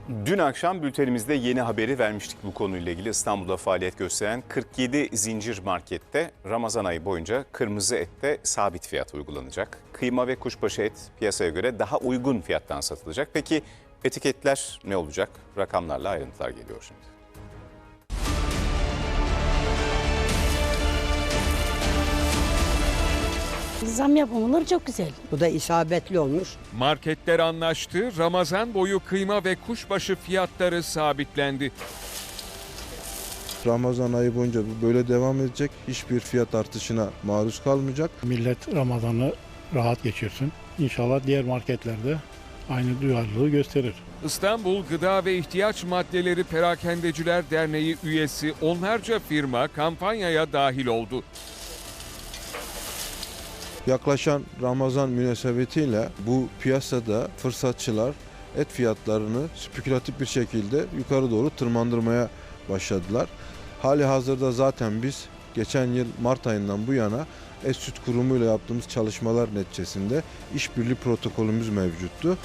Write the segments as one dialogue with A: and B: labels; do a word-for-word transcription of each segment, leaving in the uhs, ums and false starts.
A: Dün akşam bültenimizde yeni haberi vermiştik bu konuyla ilgili. İstanbul'da faaliyet gösteren kırk yedi zincir markette Ramazan ayı boyunca kırmızı ette sabit fiyat uygulanacak. Kıyma ve kuşbaşı et piyasaya göre daha uygun fiyattan satılacak. Peki etiketler ne olacak? Rakamlarla ayrıntılar geliyor şimdi.
B: Zam yapılır çok güzel.
C: Bu da isabetli olmuş.
D: Marketler anlaştı, Ramazan boyu kıyma ve kuşbaşı fiyatları sabitlendi.
E: Ramazan ayı boyunca bu böyle devam edecek. Hiçbir fiyat artışına maruz kalmayacak.
F: Millet Ramazan'ı rahat geçirsin. İnşallah diğer marketlerde aynı duyarlılığı gösterir.
D: İstanbul Gıda ve İhtiyaç Maddeleri Perakendeciler Derneği üyesi onlarca firma kampanyaya dahil oldu.
E: Yaklaşan Ramazan münasebetiyle bu piyasada fırsatçılar et fiyatlarını spekülatif bir şekilde yukarı doğru tırmandırmaya başladılar. Hali hazırda zaten biz geçen yıl Mart ayından bu yana Et Süt Kurumu ile yaptığımız çalışmalar neticesinde işbirliği protokolümüz mevcuttu.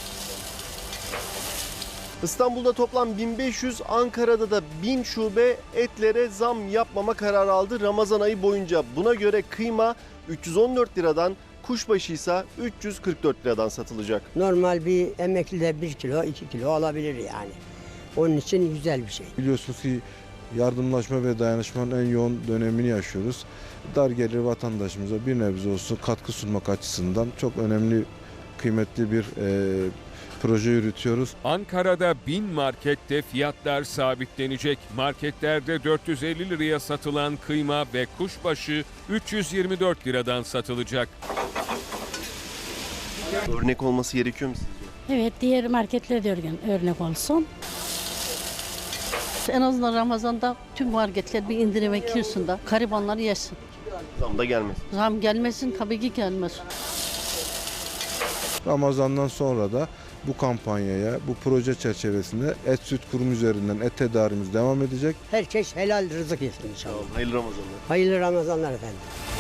G: İstanbul'da toplam bin beş yüz, Ankara'da da bin şube etlere zam yapmama kararı aldı Ramazan ayı boyunca. Buna göre kıyma üç yüz on dört liradan, kuşbaşı ise üç yüz kırk dört liradan satılacak.
C: Normal bir emekli de bir kilo, iki kilo alabilir yani. Onun için güzel bir şey.
E: Biliyorsunuz ki yardımlaşma ve dayanışmanın en yoğun dönemini yaşıyoruz. Dar gelir vatandaşımıza bir nebze olsun katkı sunmak açısından çok önemli, kıymetli bir e, proje yürütüyoruz.
D: Ankara'da bin markette fiyatlar sabitlenecek. Marketlerde dört yüz elli liraya satılan kıyma ve kuşbaşı üç yüz yirmi dört liradan satılacak.
G: Örnek olması gerekiyor mu sizce?
B: Evet, diğer marketlere de örgen- örnek olsun.
H: En azından Ramazan'da tüm marketler bir indirime girsin de garibanlar yesin.
G: Zam da gelmez.
H: Zam gelmesin, tabii ki gelmez.
E: Ramazan'dan sonra da bu kampanyaya, bu proje çerçevesinde Et Süt Kurumu üzerinden et tedarimiz devam edecek.
C: Herkes helal rızık yesin inşallah.
G: Hayırlı Ramazanlar.
C: Hayırlı Ramazanlar efendim.